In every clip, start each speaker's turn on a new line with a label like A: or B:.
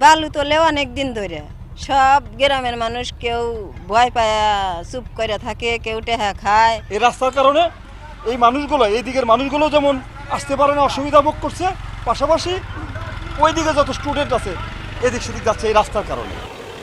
A: বালু তোলেও অনেক দিন ধরে সব গ্রামের মানুষ কেউ ভয় পায় চুপ করে থাকে, কেউ টেহা খায়।
B: এই রাস্তার কারণে এই মানুষগুলো, এই দিকের মানুষগুলো যেমন আসতে পারে না, অসুবিধা ভোগ করছে, পাশাপাশি ওই দিকে যত স্টুডেন্ট আছে এদিক সেদিক যাচ্ছে এই রাস্তার কারণে।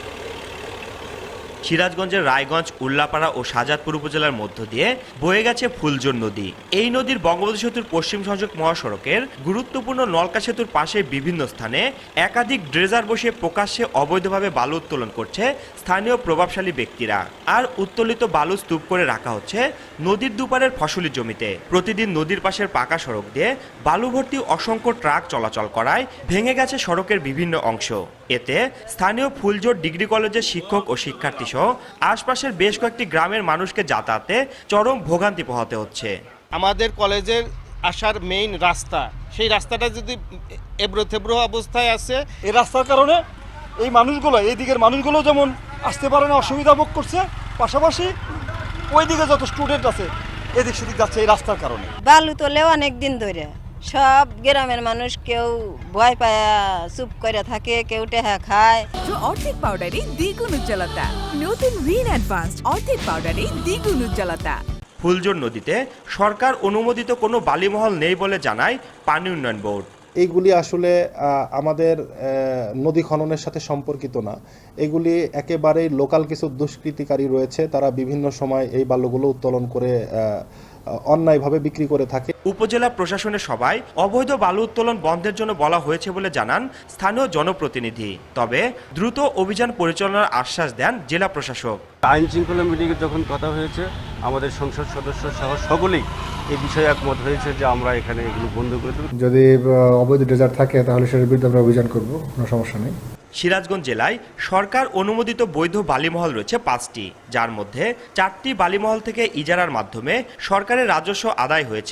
C: সিরাজগঞ্জের রায়গঞ্জ, উল্লাপাড়া ও শাহজাদপুর উপজেলার মধ্য দিয়ে বয়ে গেছে ফুলজোর নদী। এই নদীর বঙ্গবন্ধু সেতুর পশ্চিম সংযোগ মহাসড়কের গুরুত্বপূর্ণ নলকা সেতুর পাশে বিভিন্ন স্থানে একাধিক ড্রেজার বসে প্রকাশ্যে অবৈধভাবে বালু উত্তোলন করছে স্থানীয় প্রভাবশালী ব্যক্তিরা। আর উত্তোলিত বালু স্তূপ করে রাখা হচ্ছে নদীর দুপারের ফসলি জমিতে। প্রতিদিন নদীর পাশের পাকা সড়ক দিয়ে বালু ভর্তি অসংখ্য ট্রাক চলাচল করায় ভেঙে গেছে সড়কের বিভিন্ন অংশ। এতে স্থানীয় ফুলজোর ডিগ্রি কলেজের শিক্ষক ও শিক্ষার্থী সহ আশপাশের বেশ কয়েকটি গ্রামের মানুষকে যাতায়াতে চরম ভোগান্তি পোহাতে হচ্ছে।
D: আমাদের কলেজের আসার মেইন রাস্তা, সেই রাস্তাটা যদি এবড়ো থেবড়ো অবস্থায় আছে,
B: এই রাস্তার কারণে এই মানুষগুলো, এই দিকের মানুষগুলো যেমন আসতে পারে না, অসুবিধা ভোগ করছে, পাশাপাশি ওই দিকে যত স্টুডেন্ট আছে এদিক সেদিক যাচ্ছে এই রাস্তার কারণে।
A: বালু তোলেও অনেক দিন ধরে সব গ্রামের মানুষ কেউ ভয় পায় চুপ করে থাকে, কেউ টেহা খায়।
E: অর্ধেক পাউডারে দ্বিগুণ উজ্জ্বলতা, নতুন রিন অ্যাডভান্সড অর্ধেক পাউডারে দ্বিগুণ উজ্জ্বলতা।
C: ফুলজোর নদীতে সরকার অনুমোদিত কোনো বালিমহল নেই বলে জানায় পানি উন্নয়ন বোর্ড।
F: এইগুলি আসলে আমাদের নদী খননের সাথে সম্পর্কিত না। এগুলি একেবারেই লোকাল কিছু দুষ্কৃতিকারী রয়েছে, তারা বিভিন্ন সময় এই বালুগুলো উত্তোলন করে অন্যায়ভাবে বিক্রি করে থাকে।
C: উপজেলা প্রশাসনের সভায় অবৈধ বালু উত্তোলন বন্ধের জন্য বলা হয়েছে বলে জানান স্থানীয় জনপ্রতিনিধি। তবে দ্রুত অভিযান পরিচালনার আশ্বাস দেন জেলা প্রশাসক।
G: আইন শৃঙ্খলা মিটিংয়ে যখন কথা হয়েছে, আমাদের সংসদ সদস্য সহ সকলেই এই বিষয়ে একমত হয়েছে যে আমরা এখানে এগুলো বন্ধ করে দেব।
H: যদি অবৈধ ড্রেজার থাকে তাহলে সেটার বিরুদ্ধে আমরা অভিযান করব, কোনো সমস্যা নেই।
C: সিরাজগঞ্জ জেলায় সরকার অনুমোদিত বৈধ বালিমহল রয়েছে 5টি, যার মধ্যে 4টি বালিমহল থেকে ইজারার মাধ্যমে সরকারের রাজস্ব আদায় হয়েছে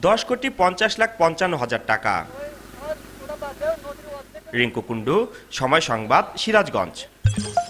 C: 10,50,55,000 টাকা। রিঙ্কু কুন্ডু, সময় সংবাদ, সিরাজগঞ্জ।